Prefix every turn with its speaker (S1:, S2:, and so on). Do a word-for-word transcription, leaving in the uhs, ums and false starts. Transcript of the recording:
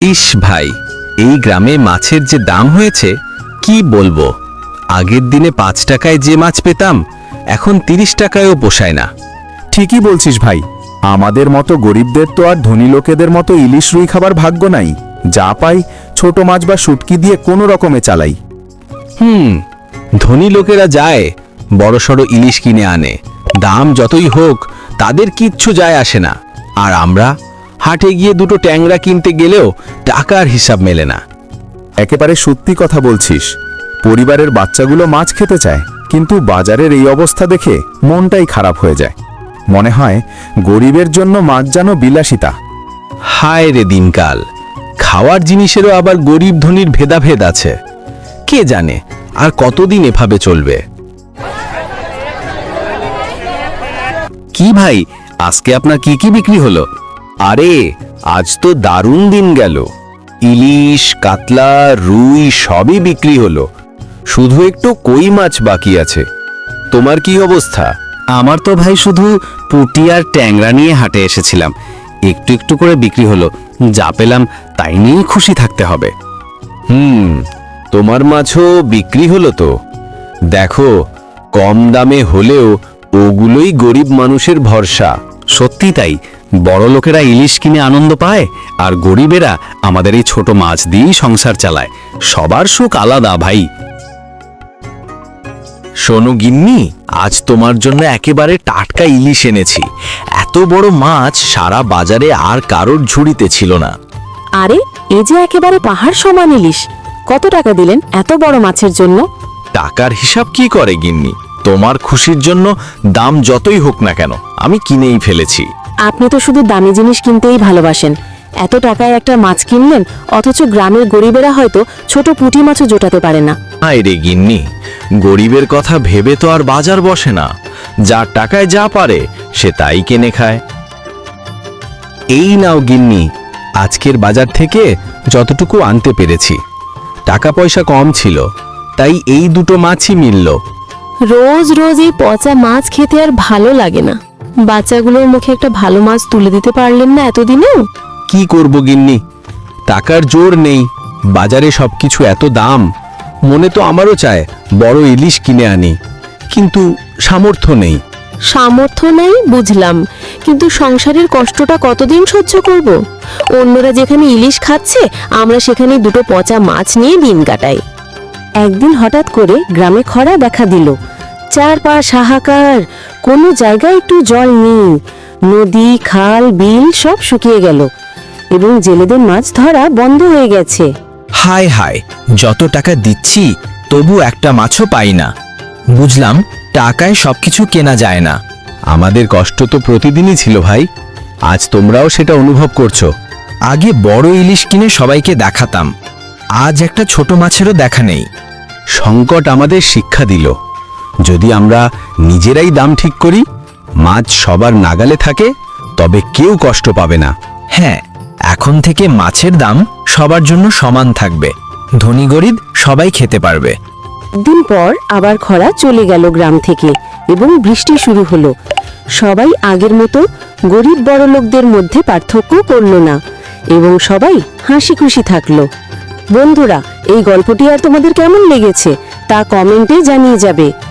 S1: ইস ভাই, এই গ্রামে মাছের যে দাম হয়েছে কি বলবো। আগের দিনে পাঁচ টাকায় যে মাছ পেতাম এখন তিরিশ টাকায়ও পোষায় না।
S2: ঠিকই বলছিস ভাই, আমাদের মতো গরিবদের তো আর ধনী লোকেদের মতো ইলিশ রুই খাবার ভাগ্য নাই। যা পাই ছোট মাছ বা শুটকি দিয়ে কোনো রকমে চালাই।
S1: হুম, ধনী লোকেরা যায় বড়সড় ইলিশ কিনে আনে, দাম যতই হোক তাদের কিচ্ছু যায় আসে না। আর আমরা হাটে গিয়ে দুটো ট্যাংরা কিনতে গেলেও টাকার হিসাব মেলে না।
S2: একেবারে সত্যি কথা বলছিস, পরিবারের বাচ্চাগুলো মাছ খেতে চায়, কিন্তু বাজারের এই অবস্থা দেখে মনটাই খারাপ হয়ে যায়। মনে হয় গরিবের জন্য মাছ যেন বিলাসিতা।
S1: হায় রে দিনকাল, খাওয়ার জিনিসেরও আবার গরিব ধনীর ভেদাভেদ আছে। কে জানে আর কতদিন এভাবে চলবে। কি ভাই, আজকে আপনার কি কি বিক্রি হলো? আরে আজ তো দারুণ দিন গেল, ইলিশ কাতলা রুই সবই বিক্রি হলো, শুধু একটু কই মাছ বাকি আছে। তোমার কি অবস্থা? আমার তো ভাই শুধু পুঁটি আর ট্যাংরা নিয়ে হাটে এসেছিলাম, একটু একটু করে বিক্রি হলো, যা পেলাম তাই নিয়েই খুশি থাকতে হবে। হুম, তোমার মাছও বিক্রি হলো তো? দেখো, কম দামে হলেও ওগুলোই গরিব মানুষের ভরসা। সত্যি তাই, বড় লোকেরা ইলিশ কিনে আনন্দ পায় আর গরিবেরা আমাদের এই ছোট মাছ দিয়েই সংসার চালায়। সবার সুখ আলাদা ভাই। শোনো গিন্নি, আজ তোমার জন্য একেবারে টাটকা ইলিশ এনেছি। এত বড় মাছ সারা বাজারে আর কারোর ঝুড়িতে ছিল না।
S3: আরে এ যে একেবারে পাহাড় সমান ইলিশ। কত টাকা দিলেন এত বড় মাছের জন্য?
S1: টাকার হিসাব কি করে গিন্নি, তোমার খুশির জন্য দাম যতই হোক না কেন আমি কিনেই ফেলেছি।
S3: আপনি তো শুধু দামি জিনিস কিনতেই ভালোবাসেন। এত টাকায় একটা মাছ কিনলেন, অথচ গ্রামের গরিবেরা হয়তো ছোট পুঁটি মাছও জোটাতে পারে না।
S1: হায় রে গিন্নি, গরিবের কথা ভেবে তো আর বাজার বসে না। যার টাকায় যা পারে সে তাই কিনে খায়। এই নাও গিন্নি, আজকের বাজার থেকে যতটুকু আনতে পেরেছি। টাকা পয়সা কম ছিল, তাই এই দুটো মাছই মিলল।
S3: রোজ রোজ এই পচা মাছ খেতে আর ভালো লাগে না। বাচ্চাগুলোর মুখে একটা ভালো মাছ তুলে দিতে পারলেন না এতদিনেও?
S1: কি করব গিন্নি, টাকার জোর নেই, বাজারে সবকিছু এত দাম। মনে তো আমারও চায় বড় ইলিশ কিনে আনি, কিন্তু সামর্থ্য নেই।
S3: সামর্থ্য নাই বুঝলাম, কিন্তু সংসারের কষ্টটা কতদিন সহ্য করব? অন্যরা যেখানে ইলিশ খাচ্ছে, আমরা সেখানে দুটো পচা মাছ নিয়ে দিন কাটাই। একদিন হঠাৎ করে গ্রামে খরা দেখা দিল। চারপাশ হাহাকার, কোনো জায়গায় একটু জল নেই। নদী খাল বিল সব শুকিয়ে গেল এবং জেলেদের মাছ ধরা বন্ধ হয়ে গেছে।
S4: হায় হায়, যত টাকা দিচ্ছি তবু একটা মাছও পাই না। বুঝলাম টাকায় সবকিছু কেনা যায় না।
S1: আমাদের কষ্ট তো প্রতিদিনই ছিল ভাই, আজ তোমরাও সেটা অনুভব করছো।
S4: আগে বড় ইলিশ কিনে সবাইকে দেখাতাম, আজ একটা ছোট মাছেরও দেখা নেই।
S1: সংকট আমাদের শিক্ষা দিল, যদি আমরা নিজেরাই দাম ঠিক করি, মাছ সবার নাগালে থাকে, তবে কেউ কষ্ট পাবে না।
S4: হ্যাঁ, এখন থেকে মাছের দাম সবার জন্য সমান থাকবে, ধনী গরিব সবাই খেতে পারবে।
S3: দিন পর আবার খরা চলে গেল গ্রাম থেকে এবং বৃষ্টি শুরু হলো। সবাই আগের মতো গরিব বড় লোকদের মধ্যে পার্থক্য করলো না এবং সবাই হাসি খুশি থাকলো। বন্ধুরা, এই গল্পটি আর তোমাদের কেমন লেগেছে তা কমেন্টে জানিয়ে যাবে।